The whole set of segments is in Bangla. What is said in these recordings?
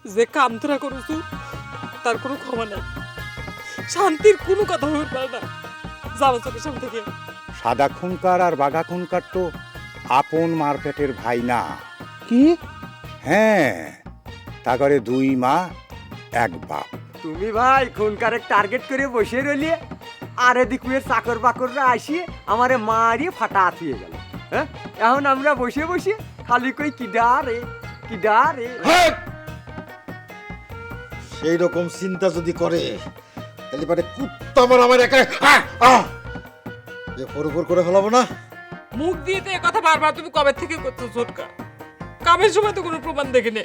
যে কাম তোরা করছ তার কোনো ক্ষমা নাই, শান্তির কোনো কথা হতে পারে না। যাবো চোখের সামনে থেকে। সাদা খুনকার আর বাঘা খুনকার তো আপন মারপেটের ভাই না। কি হ্যাঁ, তা করে দুই মা এক বাপ। তুমি ভাই খুনকারে টার্গেট করে বসে রইলি, আর এদিকে চাকর বাকররা আসিয়ে আমারে মারিয়ে ফাটা আতিয়ে গেল। হ্যাঁ, এখন আমরা বসে বসে খালি কই কিডা রে কিডা রে। সেই রকম চিন্তা যদি করে তাহলে পারে কুত্তা আমার একা ফোর করে ফেলাবো না। মুখ দিয়ে তো কথা বারবার তুমি কবে থেকে করছো ছোটকা? কামের সময় তো কোনো প্রমাণ দেখিনি।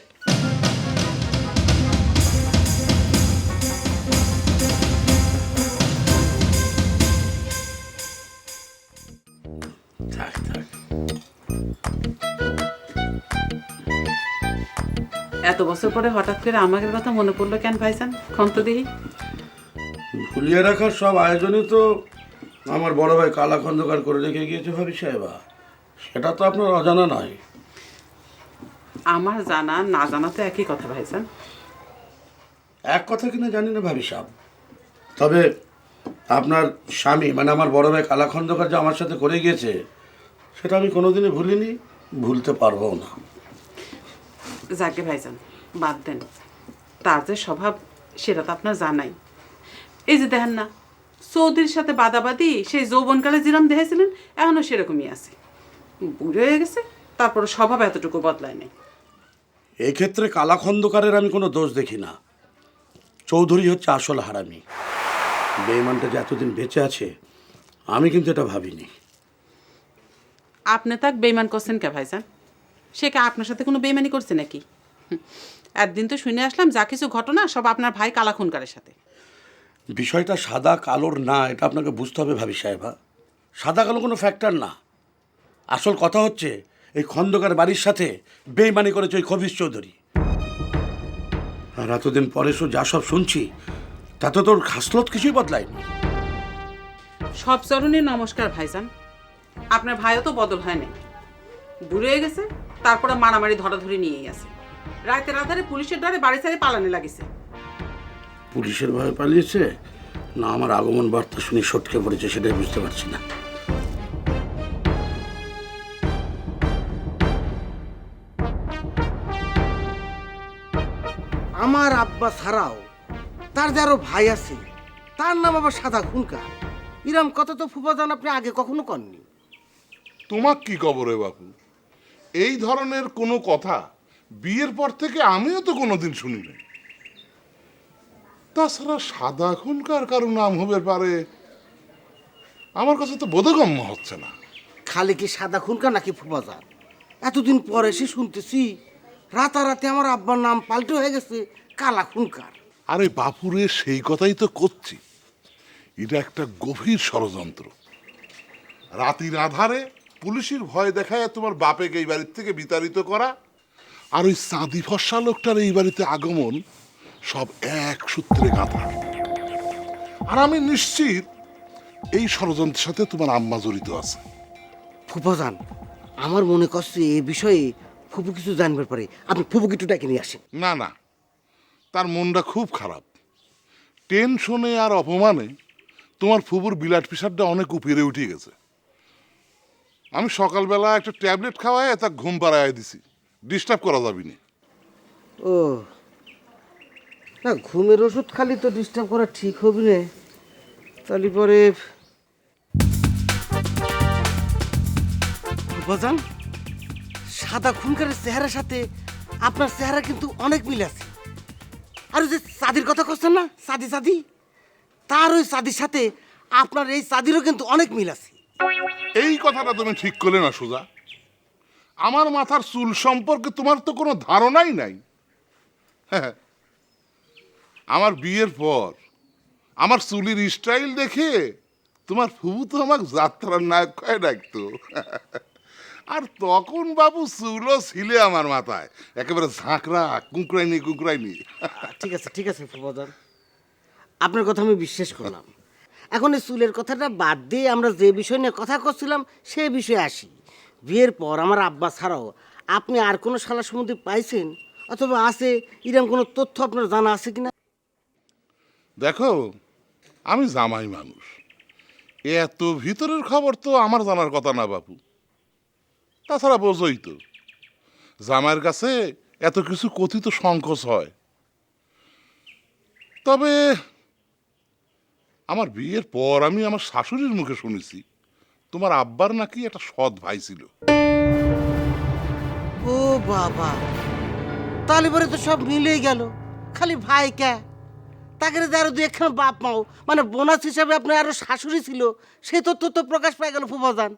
এত বছর পরে হঠাৎ করে আমাদের কথা মনে পড়লো কেন ভাইজান? খন্ত দিই ভুলিয়ে রাখার সব আয়োজনই তো আমার বড় ভাই কালা খন্দকার করে রেখে গিয়েছে ভাবি সাহেবা, সেটা তো আপনার অজানা নয়। আমার জানা না জানা তো একই কথা ভাইজান। এক কথা কিনা জানি না ভাবি সাহেব, তবে আপনার স্বামী মানে আমার বড় ভাই কালা খন্দকার যে আমার সাথে করে গিয়েছে সেটা আমি কোনোদিনই ভুলিনি, ভুলতে পারবো না। যাকে ভাইজান বাদ দেন, তার যে স্বভাব সেটা তো আপনার জানাই। এই যে দেখেন না, চৌধুরীর সাথে বাদাবাদি সেই যৌবনকালে যেরকম দেখেছিলেন এখনও সেরকমই আছে। বুড়ো হয়ে গেছে, তারপর স্বভাব এতটুকু বদলায় নেই। এই ক্ষেত্রে কালা খন্দকারের আমি কোনো দোষ দেখি না। চৌধুরী হচ্ছে আসল হারামি। বেঈমানটা যে এতদিন বেঁচে আছে আমি কিন্তু এটা ভাবিনি। আপনি তাক বেইমান করছেন কে ভাইজান? সে কে আপনার সাথে কোনো বেইমানি করছে নাকি? একদিন তো শুনে আসলাম যা কিছু ঘটনা সব আপনার ভাই কালা খুনকারের সাথে। বিষয়টা সাদা কালোর না, এটা আপনাকে বুঝতে হবে ভাবি সাহেবা। সাদা কালো কোনো ফ্যাক্টর না। আসল কথা হচ্ছে এই খন্দকার বাড়ির সাথে বেইমানি করেছে ওই খবিশ চৌধুরী। আর এতদিন পরে যা সব শুনছি তাতে তোর খাসলত কিছুই বদলায়নি। সব চরণে নমস্কার ভাইজান। আপনার ভাইও তো বদল হয় নাই, বুড়ো হয়ে গেছে, তারপরে মারামারি ধরাধরি নিয়েই আছে। রাতের আধারে পুলিশের দ্বারে বাড়ি ছাড়ে পালানে লাগিছে। পুলিশের ভয়ে পালিয়েছে না আমার আগমন বার্তা শুনে সটকে পড়েছে সেটাই বুঝতে পারছি না। আমার আব্বা ছাড়াও তার যে আরো ভাই আছে, তার নাম আবার সাদা খুনকার। ইরাম কথা তো ফুফাজান আপনি আগে কখনো কননি। তোমাক কি খবরে বাপু? এই ধরনের কোনো কথা বিয়ের পর থেকে আমিও তো কোনোদিন শুনি নাই। তাছাড়া সাদা খুনকার কারো নাম হবে পারে আমার কাছে তো বোধগম্য হচ্ছে না। খালি কি সাদা খুনকার নাকি ফুফাজান? এতদিন পরে এসে শুনতেছি রাতারাতি আমার আব্বার নাম পাল্টে হয়ে গেছে কালা খুনকার। আরে বাপুরে সেই কথাই তো করছি, এটা একটা গভীর ষড়যন্ত্র। রাতির আধারে পুলিশের ভয় দেখায় তোমার বাপেকে এই বাড়ির থেকে বিতাড়িত করা, আর ওই চাঁদি ফর্সা লোকটার এই বাড়িতে আগমন, সব এক সূত্রে গাঁথা। আর আমি নিশ্চিত এই ষড়যন্ত্রের সাথে তোমার আম্মা জড়িত আছে। ফুফাজান আমার মনে করছে এই বিষয়ে ফুপু কিছু জানবার পরে আপনি ফুপুকে একটু ডেকে নিয়ে আসেন। না না, তার মনটা খুব খারাপ। টেনশনে আর অপমানে তোমার ফুপুর বিলাট পিসারটা অনেক উপরে উঠে গেছে। আমি সকালবেলা একটা ট্যাবলেট খাওয়ায় তা ঘুম পাড়ায় দিছি, ডিস্টার্ব করা যাবি না। ও না, ঘুমের ওষুধ খালি তো ডিস্টার্ব করা ঠিক হবে না। তাহলে পরে ফুফাজান সাদা খুনকারের চেহারার সাথে আপনার চেহারা কিন্তু অনেক মিল আছে। আর ওই যে চাঁদির কথা করছেন না, চাঁদি চাঁদি, তার ওই চাঁদির সাথে আপনার এই চাঁদিরও কিন্তু অনেক মিল আছে। এই কথাটা তুমি ঠিক করলে না সুজা। আমার মাথার চুল সম্পর্কে তোমার তো কোনো ধারণাই নাই। হ্যাঁ, আমার বিয়ের পর আমার চুলির স্টাইল দেখে তোমার ফুবু তো আমাকে যাত্রার নায়ক কয়ে ডাকতো। আর তখন বাবু চুলও ছিলে আমার মাথায় একেবারে ঝাঁকড়া, কুঁকড়াইনি কুঁকড়াইনি। ঠিক আছে ফুফাজান, আপনার কথা আমি বিশ্বাস করলাম। এখন এই চুলের কথাটা বাদ দিয়ে আমরা যে বিষয় নিয়ে কথা করছিলাম সে বিষয়ে আসি। বিয়ের পর আমার আব্বা ছাড়াও আপনি আর কোনো শালা সম্বন্ধে পাইছেন অথবা আছে এরকম কোনো তথ্য আপনার জানা আছে কিনা? দেখো, আমি জামাই মানুষ, এত ভিতরের খবর তো আমার জানার কথা না বাপু। তাছাড়া বোঝই তো, জামাইয়ের কাছে এত কিছু কথিত সংকোচ হয়। তবে আমার বিয়ের পর আমি আমার শাশুড়ির মুখে শুনেছি তোমার আব্বার নাকি একটা সৎ ভাই ছিল। ও বাবা, তাহলে পরে তো সব মিলেই গেল। খালি ভাই কে, তাকে আরো দু একখানা বাপ মাও, মানে বোনাস হিসাবে আপনার আরো শাশুড়ি ছিল, সে তথ্য তো প্রকাশ পাই গেল ফুফাজান।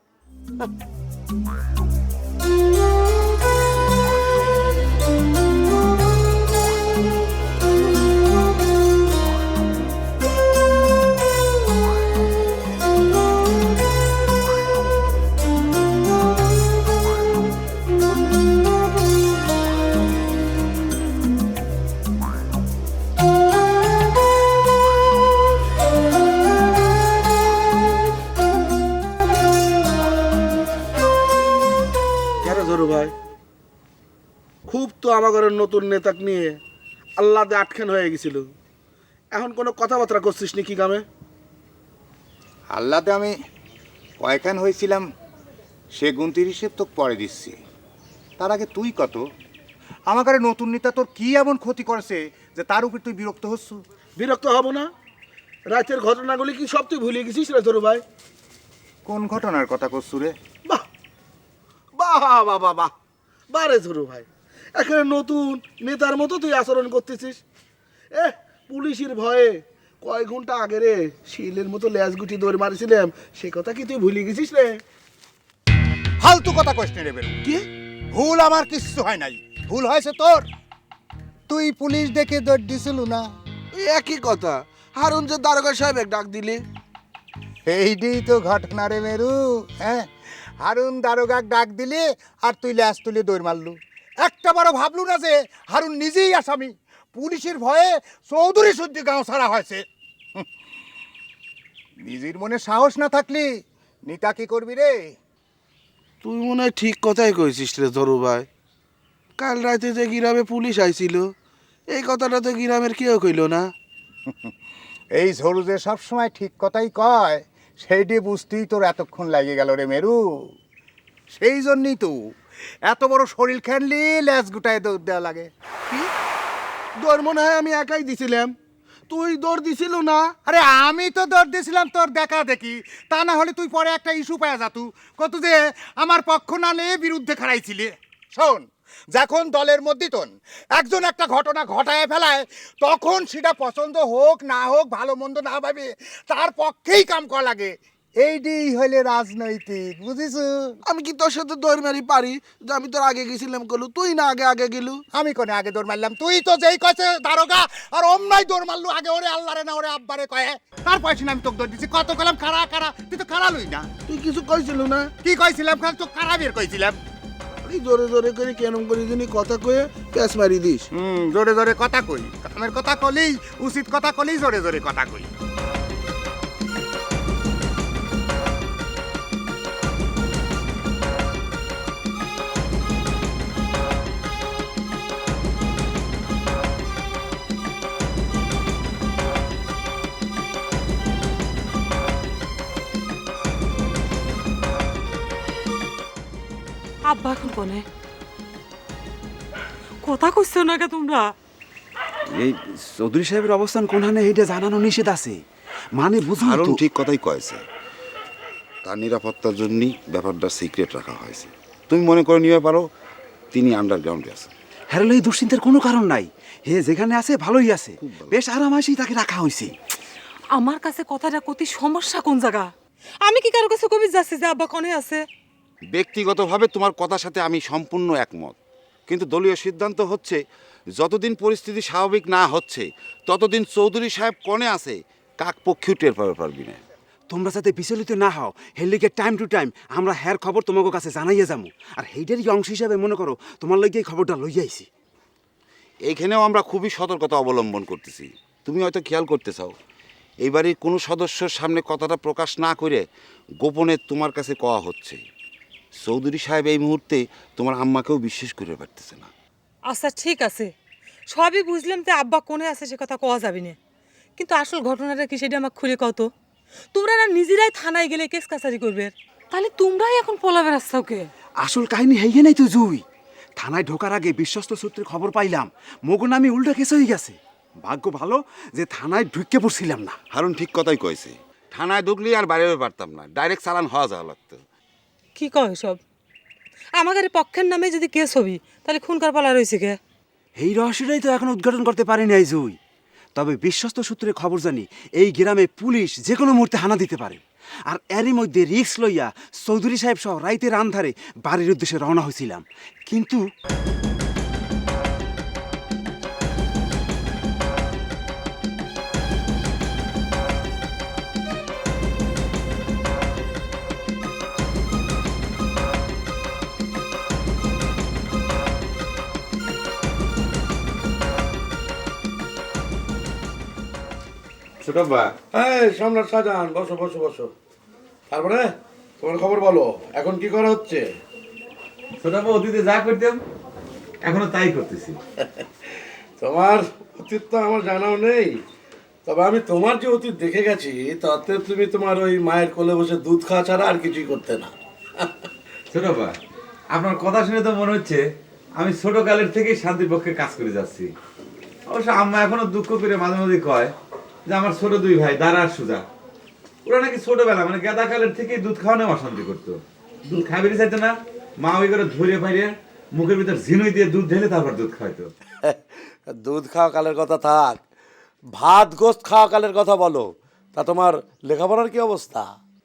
কেন জরু ভাই, খুব তো আমার ঘরের নতুন নেতাক নিয়ে আল্লাদে আটখান হয়ে গেছিল, এখন কোনো কথাবার্তা করছিস নি কি গ্রামে? আল্লাহতে আমি কয়খান হয়েছিলাম সে গুনতির হিসেব তো পরে দিচ্ছি। তার আগে তুই কত আমার ঘরে নতুন নেতা তোর কি এমন ক্ষতি করেছে যে তার উপর তুই বিরক্ত হচ্ছ? বিরক্ত হব না? রাতের ঘটনাগুলি কি সব তুই ভুলে গেছিস রে জরু ভাই? কোন ঘটনার কথা করছু রে? বাহ বাহ বাহ বাহ বাহ বারে জরু ভাই, এখানে নতুন নেতার মতো তুই আচরণ করতেছিস। পুলিশের ভয়ে কয় ঘন্টা আগে রে শিলের মতো ল্যাজ গুটি দৌড় মারিছিলাম, সে কথা কি তুই ভুলে গেছিস রে? ফালতু কথা কইস রে বেরু। কি ভুল আমার কিচ্ছু হয় নাই, ভুল হয়েছে তোর। তুই পুলিশ ডেকে দৌড় দিছিল না? এই একই কথা, হারুন যে দারোগা সাহেব ডাক দিলি। এইটাই তো ঘটনা রে মেরু। হ্যাঁ, হারুন দারোগাক ডাক দিলি আর তুই ল্যাস তুলে দৌড় মারলু। একটা বারো ভাবলু না যে হারুন নিজেই আসামি, পুলিশের ভয়ে চৌধুরী সূর্য গাঁও ছাড়া হয়েছে। নিজের মনে সাহস না থাকলি নিতা কি করবি রে? তুই মনে হয় ঠিক কথাই কইছিস রে ধরু ভাই। কাল রাতে যে গ্রামে পুলিশ আইছিল, এই কথাটা তো গ্রামের কেউ কইল না। এই ঝরু যে সবসময় ঠিক কথাই কয়, সেইটি বুঝতেই তোর এতক্ষণ লাগে গেল রে মেরু। সেই জন্যই তো এত বড় শরীর খেললি ল্যাস গুটায় দৌড় দেওয়া লাগে। কি দৌড় মনে হয় আমি একাই দিছিলাম, তুই দৌড় দিছিল না? আরে আমি তো দৌড় দিয়েছিলাম তোর দেখা দেখি, তা না হলে তুই পরে একটা ইস্যু পাওয়া যাতু কত যে আমার পক্ষ না নিয়ে বিরুদ্ধে খাড়াইছিলি। শোন, যখন দলের মধ্যে তোন একজন একটা ঘটনা ঘটায় ফেলায়, তখন সেটা পছন্দ হোক না হোক, ভালো মন্দ না ভাবে তার পক্ষেই কাম করা লাগে। এইটাই হলে রাজনৈতিক, বুঝিস? আমি কি তোর সাথে দৌড় মারি পারি যে আমি তোর আগে গেছিলাম কলু, তুই না আগে আগে গেলু? আমি কোনে আগে দৌড় মারলাম? তুই তো যেই কছে দারোগা আর অমনাই দৌড় মারলু আগে, ওরে আল্লাহরে না ওরে আব্বারে কয়ে, তার পয়সা আমি তোকে দৌড় দিছি। কত কলাম খাড়া খাড়া, তুই তো খাড়া লই না। তুই কিছু কইছিল না? কি কইছিলাম? খান তো খাড়া বের কইছিলাম। এই জোরে জোরে করে কেমন করে যিনি কথা কয়ে প্যাঁচ মারি দিস। জোরে জোরে কথা কই, কামের কথা কলেই, উচিত কথা কলেই জোরে জোরে কথা কই। আব্বা এখন কোনে? কথা কইছো না কে তোমরা? এই চৌধুরী সাহেবের অবস্থান কোনখানে এইটা জানানো নিষেধ আছে, মানে বুঝুন হারুন তো। ঠিক কথাই কয়েছে, তার নিরাপত্তার জন্যই ব্যাপারটা সিক্রেট রাখা হয়েছে। তুমি মনে করে নিয়ে পারো তিনি আন্ডারগ্রাউন্ডে আছেন। হ্যাঁ, এই দুশ্চিন্তার কোনো কারণ নাই, হে যেখানে আছে ভালোই আছে, বেশ আরামাসেই তাকে রাখা হয়েছে। আমার কাছে কথাটা কতি সমস্যা কোন জায়গা? আমি কি কারো কাছে কবি যাচ্ছি যে আব্বা কোনে আছে? ব্যক্তিগতভাবে তোমার কথার সাথে আমি সম্পূর্ণ একমত, কিন্তু দলীয় সিদ্ধান্ত হচ্ছে যতদিন পরিস্থিতি স্বাভাবিক না হচ্ছে ততদিন চৌধুরী সাহেব কোণে আছে কাক পক্ষেও টের পারবি না। তোমরা যাতে বিচলিত না হও, হের লিগে টাইম টু টাইম আমরা হ্যার খবর তোমাকে কাছে জানাইয়া যাবো, আর সেইটারই অংশ হিসাবে মনে করো তোমার লইগে এই খবরটা লইয়া আইছি। এইখানেও আমরা খুবই সতর্কতা অবলম্বন করতেছি। তুমি হয়তো খেয়াল করতে চাও, এই বাড়ির কোনো সদস্যর সামনে কথাটা প্রকাশ না করে গোপনে তোমার কাছে কওয়া হচ্ছে। চৌধুরী সাহেব এই মুহূর্তে তোমার আম্মাকেও বিশ্বাস করে পারতেছে না। আচ্ছা ঠিক আছে, সবই বুঝলাম যে আব্বা কোনে আছে সে কথা কওয়া যাবে না, কিন্তু আসল ঘটনাটা কি সেটা আমাকে খুলে কত। তোমরা না নিজেরাই থানায় গেলে কেস কাছারি করবে, তাহলে তোমরাই এখন পোলা বেড়াচ্ছ কে? আসল কাহিনী হেয়ে নাই তো জুই। থানায় ঢোকার আগে বিশ্বস্ত সূত্রে খবর পাইলাম মগো নামে উল্টা কেস হয়ে গেছে। ভাগ্য ভালো যে থানায় ঢুকে পড়ছিলাম না। হারুন ঠিক কথাই কয়েছে, থানায় ঢুকলি আর বাইরে পারতাম না, ডাইরেক্ট চালান হওয়া যাওয়া লাগতো। কি কয় সব? আমাদের পক্ষের নামে যদি কেস হবি তাহলে খুনকার পালা রয়েছে কে? এই রহস্যটাই তো এখন উদ্ঘাটন করতে পারি নাই জুই। তবে বিশ্বস্ত সূত্রে খবর জানি এই গ্রামে পুলিশ যে কোনো মুহূর্তে হানা দিতে পারে। আর এরই মধ্যে রিক্স লইয়া চৌধুরী সাহেব সহ রাইতের আন্ধারে বাড়ির উদ্দেশ্যে রওনা হয়েছিলাম, কিন্তু ছোটব্বা, এই সম্রাট শাহজাহান, বসো বসো বসো। তারপরে তোমার খবর বলো, এখন কি করা হচ্ছে? ছোটব্বা, অতীতে যা করতাম এখনো তাই করতেছি। তোমার অতীত তো আমার জানাও নেই, তবে আমি তোমার যে অতীত দেখে গেছি তাতে তুমি তোমার ওই মায়ের কোলে বসে দুধ খাওয়া ছাড়া আর কিছুই করতে না। ছোটব্বা, আপনার কথা শুনে তো মনে হচ্ছে আমি ছোট কালের থেকেই শান্তির পক্ষে কাজ করে যাচ্ছি। অবশ্য আম্মা এখনো দুঃখ করে মাঝে মাঝে কয় যে আমার ছোট দুই ভাই দাঁড়া আর সুজা, ওরা নাকি ছোটবেলা মানে গেদা কালের থেকেই দুধ খাওয়ানো অশান্তি করতো। দুধ খাইবে চাইতো না, মা ওই করে ধরে ফাইরে মুখের ভিতর ঝিনুই দিয়ে দুধ ঢেলে তারপর দুধ খাইতো। দুধ খাওয়া কালের কথা থাক, ভাত গোস্ত খাওয়া কালের কথা বলো। তা তোমার লেখাপড়ার কি অবস্থা?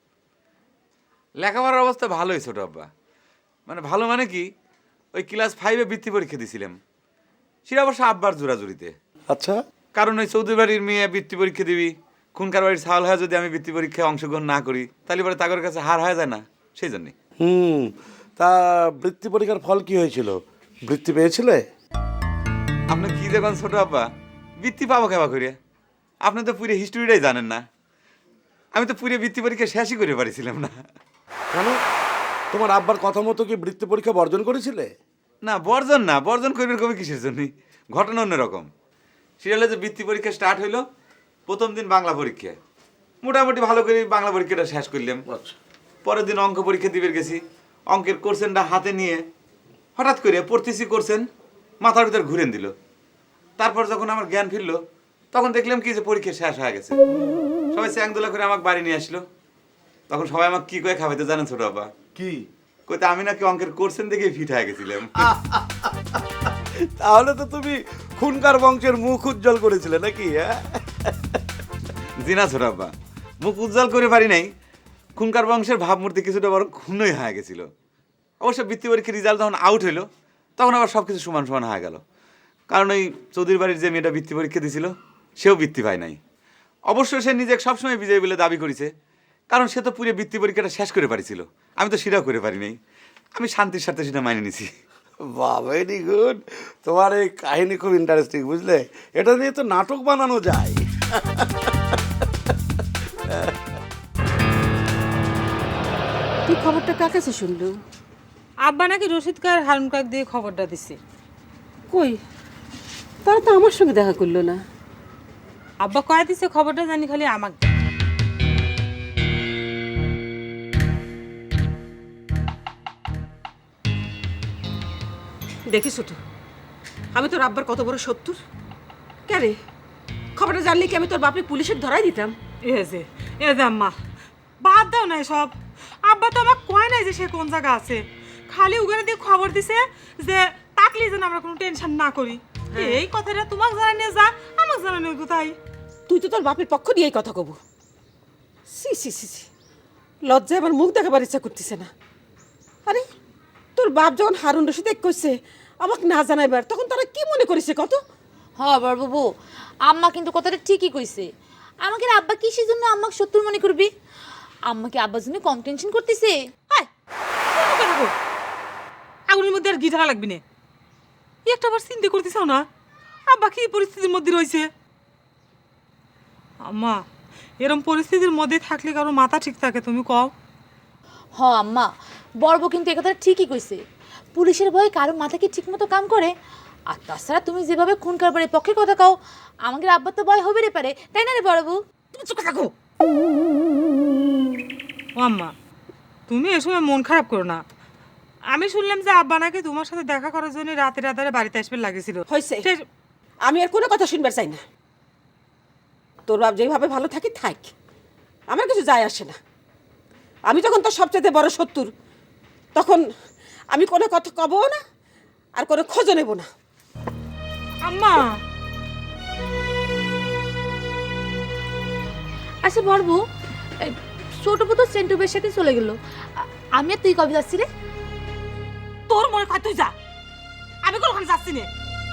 লেখাপড়ার অবস্থা ভালোই ছোট আব্বা, মানে ভালো মানে কি, ওই ক্লাস 5-এ বৃত্তি পরীক্ষা দিছিলাম, সেটা অবশ্য আব্বার জোরাজুরিতে। আচ্ছা, কারণ ওই চৌধুরী বাড়ির মেয়ে বৃত্তি পরীক্ষা দিবি, খুনকার বাড়ির ছাল হয়ে যদি আমি বৃত্তি পরীক্ষায় অংশগ্রহণ না করি তাহলে পরে তাদের কাছে হার হয়ে যায় না, সেই জন্যে। তা বৃত্তি পরীক্ষার ফল কি হয়েছিল? বৃত্তি পেয়েছিলে? আপনি কি দেখুন ছোট আব্বা, বৃত্তি পাবো কেবা করে? আপনি তো পুরো হিস্ট্রিটাই জানেন না। আমি তো পুরো বৃত্তি পরীক্ষা শেষই করে পারিছিলাম না। কেন, তোমার আব্বার কথা মতো কি বৃত্তি পরীক্ষা বর্জন করেছিলে? না বর্জন না, বর্জন করবেন কবে কিসের জন্য? ঘটনা অন্যরকম। সেটা হলো যে বৃত্তি পরীক্ষা স্টার্ট হইলো, প্রথম দিন বাংলা পরীক্ষা, মোটামুটি ভালো করে বাংলা পরীক্ষাটা শেষ করলাম। পরের দিন অঙ্ক পরীক্ষা দিবে গেছি, অঙ্কের কোশ্চেনটা হাতে নিয়ে হঠাৎ করে পড়তেছি, কোশ্চেন মাথার ভিতর ঘুরেন দিল। তারপর যখন আমার জ্ঞান ফিরলো তখন দেখলাম কি যে পরীক্ষা শেষ হয়ে গেছে। সবাই চ্যাংদোলা করে আমাকে বাড়ি নিয়ে আসলো। তখন সবাই আমাকে কি করে খাওয়াইতে জানেন ছোট বাবা? কি কইতে আমি নাকি অঙ্কের কোশ্চেন দেখে ফিট হয়ে গেছিলাম। তাহলে তো তুমি খুনকার বংশের মুখ উজ্জ্বল করেছিলে নাকি? জি না ছোট বাবা, মুখ উজ্জ্বল করে পারি নাই, খুনকার বংশের ভাবমূর্তি কিছুটা বড় ক্ষুণ্ণই হয়ে গেছিল। অবশ্য বৃত্তি পরীক্ষার রেজাল্ট যখন আউট হইলো তখন আবার সব কিছু সমান সমান হয়ে গেল। কারণ ওই চৌধুরী বাড়ির যে মেয়েটা বৃত্তি পরীক্ষা দিয়েছিল সেও বৃত্তি পায় নাই। অবশ্য সে নিজেকে সবসময় বিজয়ী বলে দাবি করেছে, কারণ সে তো পুরো বৃত্তি পরীক্ষাটা শেষ করে পারিছিল, আমি তো সেটাও করে পারি নাই। আমি শান্তির সাথে সেটা মানিয়ে নিছি। বাহ, ভেরি গুড। তোমার এই কাহিনী খুব ইন্টারেস্টিং, বুঝলে? এটা নিয়ে তো নাটক বানানো যায়। তুই খবরটা কার কাছে শুনলু? আব্বা নাকি রশিদ কার হারুন কাক দিয়ে খবরটা দিছে। কই, তারা তো আমার সঙ্গে দেখা করলো না। আব্বা কয়া দিছে খবরটা জানি খালি আমাকে। দেখিস তো আমি তোর আব্বার কত বড় শত্রুর। কে রে, খবরটা জানলে কি আমি তোর বাপে পুলিশের ধরাই দিতাম? এ যে আম্মা বাদ দাও না সব। আব্বা তো আমাকে কয় নাই যে সে কোন জায়গা আছে, খালি উগানে দিয়ে খবর দিছে যে তাকলি যেন আমরা কোনো টেনশন না করি। এই কথাটা তোমাকে জানানিয়ে যা, আমাকে জানানিয়ে কোথায়? তুই তো তোর বাপের পক্ষ দিয়ে এই কথা কব। সি সি সি সি, লজ্জায় আমার মুখ দেখাবার ইচ্ছা করতেছে না। আরে তোর বাপ যখন হারুন রশিদ কইছে আমাকে না জানাইবার, তখন তারা কি মনে করেছে কত? হ্যাঁ বাবু, আম্মা কিন্তু কথাটা ঠিকই কইছে। আমাকে আব্বা কিসের জন্য আম্মাকে শত্রু মনে করবি? আম্মাকে আব্বার জন্য কম টেনশন করতেছে। আগুনের মধ্যে আর গিটার লাগবি না। একটা বার চিন্তা করতেছ না আব্বা কি পরিস্থিতির মধ্যে রয়েছে? আম্মা এরকম পরিস্থিতির মধ্যে থাকলে কারো মাথা ঠিক থাকে? তুমি কও। হ আম্মা, বড় বউ কিন্তু একথা ঠিকই কইছে। পুলিশের ভয়ে কারো মাথা কি ঠিক মতো কাম করে? আর তাছাড়া তুমি যেভাবে খুন কারবারের পক্ষে কথা কও, আমাদের আব্বা তো ভয় হবে রে পারে, তাই না রে বড় বউ? তুমি চুপ থাকো। ও আম্মা, তুমি এ সময় মন খারাপ করো না। আমি শুনলাম যে আব্বা নাকি তোমার সাথে দেখা করার জন্য রাতে রাতে বাড়িতে আসবে লাগেছিল। হয়েছে, আমি আর কোনো কথা শুনবার চাই না। তোর বাপ যেভাবে ভালো থাকি থাক, আমার কিছু যায় আসে না। আমি যখন তোর সবচেয়ে বড় শত্রু, তখন আমি কোনো কথা কবও না আর কোনো খোঁজও নেব না। আম্মা, আচ্ছা বড় বউ, ছোট বউ তো সেন্টুবের সাথে চলে গেল, আমি আর তুই কবে যাচ্ছি রে? তোর মনে হয় তুই যা, আমি কোনোখানে যাচ্ছি না।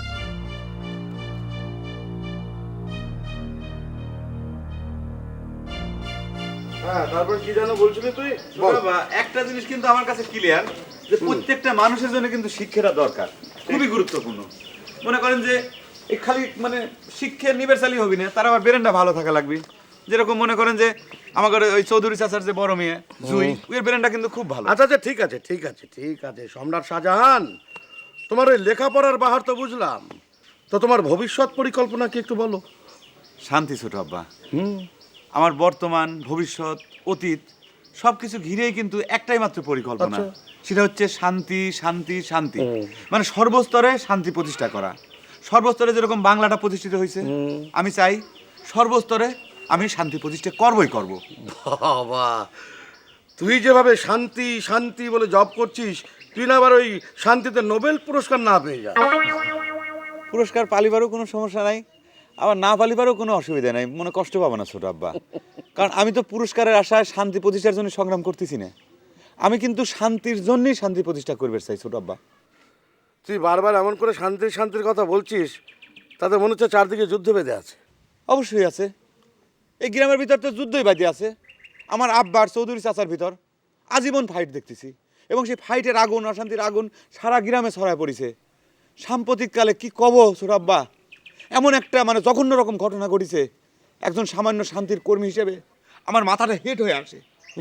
হ্যাঁ, তারপর কি যেন বলছিলি তুই? বাবা, একটা জিনিস কিন্তু আমার কাছে ক্লিয়ার, যে প্রত্যেকটা মানুষের জন্য কিন্তু শিক্ষাটা দরকার, খুবই গুরুত্বপূর্ণ। মনে করেন যে এই খালি মানে শিক্ষা নিবেশালি হবি না, তার আবার ব্রেনটা ভালো থাকা লাগবে। যেরকম মনে করেন যে আমাদের ওই চৌধুরী চাচার যে বড় মেয়ে জুই, ওর ব্রেনটা কিন্তু খুব ভালো। আচ্ছা আচ্ছা, ঠিক আছে ঠিক আছে ঠিক আছে সম্রাট শাহজাহান, তোমার ওই লেখাপড়ার বাহার তো বুঝলাম, তো তোমার ভবিষ্যৎ পরিকল্পনা কি একটু বলো? শান্তি ছোট আব্বা। আমার বর্তমান, ভবিষ্যৎ, অতীত সব কিছু ঘিরেই কিন্তু একটাই মাত্র পরিকল্পনা, সেটা হচ্ছে শান্তি শান্তি শান্তি। মানে সর্বস্তরে শান্তি প্রতিষ্ঠা করা। সর্বস্তরে যেরকম বাংলাটা প্রতিষ্ঠিত হয়েছে, আমি চাই সর্বস্তরে আমি শান্তি প্রতিষ্ঠা করবই করব। বাবা, তুই যেভাবে শান্তি শান্তি বলে জব করছিস, তুই না আবার ওই শান্তিতে নোবেল পুরস্কার না পেয়ে যা। পুরস্কার পালিবারও কোনো সমস্যা নাই, আবার না পালিবারও কোনো অসুবিধা নাই, মনে কষ্ট পাবো না ছোট আব্বা। কারণ আমি তো পুরস্কারের আশায় শান্তি প্রতিষ্ঠার জন্য সংগ্রাম করতেছি না, আমি কিন্তু শান্তির জন্যই শান্তি প্রতিষ্ঠা করবে চাই ছোট আব্বা। তুই বারবার এমন করে শান্তির শান্তির কথা বলছিস, তাতে মনে হচ্ছে চারদিকে যুদ্ধ বেঁধে আছে। অবশ্যই আছে, এই গ্রামের ভিতর তো যুদ্ধই বাদে আছে। আমার আব্বার চৌধুরী চাচার ভিতর আজীবন ফাইট দেখতেছি, এবং সেই ফাইটের আগুন, অশান্তির আগুন সারা গ্রামে ছড়ায় পড়েছে। সাম্প্রতিককালে কি কব ছোট আব্বা, এমন একটা মানে জঘন্য রকম ঘটনা ঘটেছে, একজন সামান্য শান্তির কর্মী হিসেবে আমার মাথাটা হেট হয়ে আসে।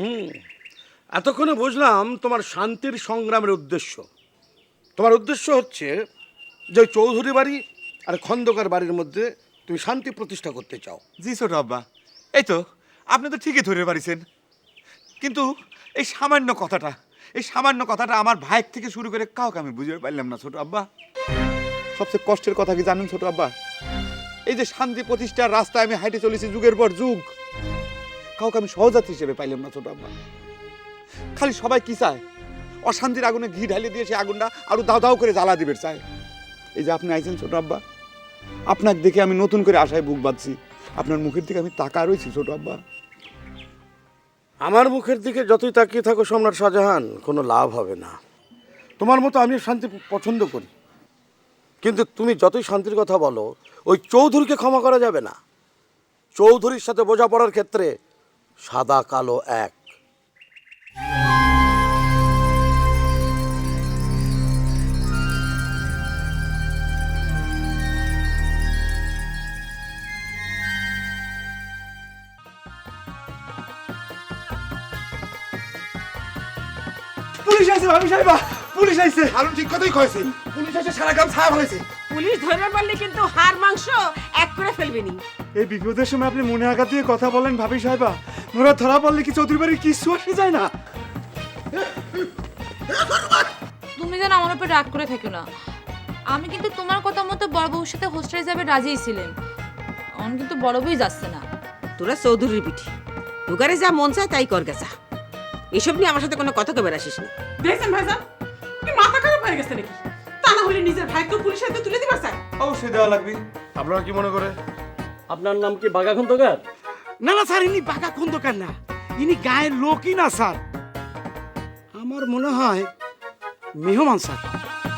এতক্ষণে বুঝলাম তোমার শান্তির সংগ্রামের উদ্দেশ্য। তোমার উদ্দেশ্য হচ্ছে যে ওই চৌধুরী বাড়ি আর খন্দকার বাড়ির মধ্যে তুমি শান্তি প্রতিষ্ঠা করতে চাও। জি ছোট আব্বা, এই তো আপনি তো ঠিকই ধরে পারিছেন, কিন্তু এই সামান্য কথাটা আমার ভাইয়ের থেকে শুরু করে কাউকে আমি বুঝতে পারলাম না ছোট আব্বা। সবচেয়ে কষ্টের কথা কি জানেন ছোট আব্বা? এই যে শান্তি প্রতিষ্ঠার রাস্তায় আমি হাইটে চলেছি যুগের পর যুগ, কাউকে আমি সহযাত্রী হিসেবে পাইলাম না ছোট আব্বা। খালি সবাই কি চায়, অশান্তির আগুনে ঘি ঢালিয়ে দিয়ে সে আগুনটা আরো দাও দাও করে জ্বালা দিবে চায়। এই যে আপনি আইছেন ছোট আব্বা, আপনাকে দেখে আমি নতুন করে আশায় বুক বাঁধছি, আপনার মুখের দিকে আমি তাকা রয়েছি ছোট আব্বা। আমার মুখের দিকে যতই তাকিয়ে থাকো সম্রাট শাহজাহান, কোনো লাভ হবে না। তোমার মতো আমি শান্তি পছন্দ করি, কিন্তু তুমি যতই শান্তির কথা বলো, ওই চৌধুরীকে ক্ষমা করা যাবে না। চৌধুরীর সাথে বোঝাপড়ার ক্ষেত্রে সাদা কালো এক। পুলিশ আইছে ভাবি সাহেবা, পুলিশ আইছে। আরো ঠিক কথাই কয়েছে, পুলিশ এসে সারা গ্রাম ছায়া হয়েছে। পুলিশ ধরে পারলে কিন্তু হাড় মাংস এক করে ফেলবে নি। এই বিপদের সময় আপনি মনে আঘাত দিয়ে কথা বলেন ভাবি সাহেবা, মোরা ধরা পড়লে কি চৌধুরী বাড়ির কিছু আসে যায় না? তুমি যেন আমার উপর রাগ করে থেকো না, আমি কিন্তু তোমার কথা মতো বড় বউর সাথে হোস্টেলে যাবে রাজিই ছিলাম, অন কিন্তু বড় বউই যাচ্ছে না। তোরা চৌধুরীর পিঠি, দুগারে যা মন চায় তাই কর গেছা। এসব নিয়ে আমার সাথে কোনো কথা কবে আসিস না। দেখছেন ভাইজান, কি মাথা খারাপ হয়ে গেছে নাকি? তা না হলে নিজের ভাইকে পুলিশের হাতে তুলে দিবার চাই। অবশ্যই দেওয়া লাগবে। আপনারা কি মনে করে? আপনার নাম কি বাঘা খন্দকার? না না স্যার, ইনি বাঘা খন্দকার না, ইনি গায়ের লোকই না স্যার। আমার মনে হয় মেহমান স্যার।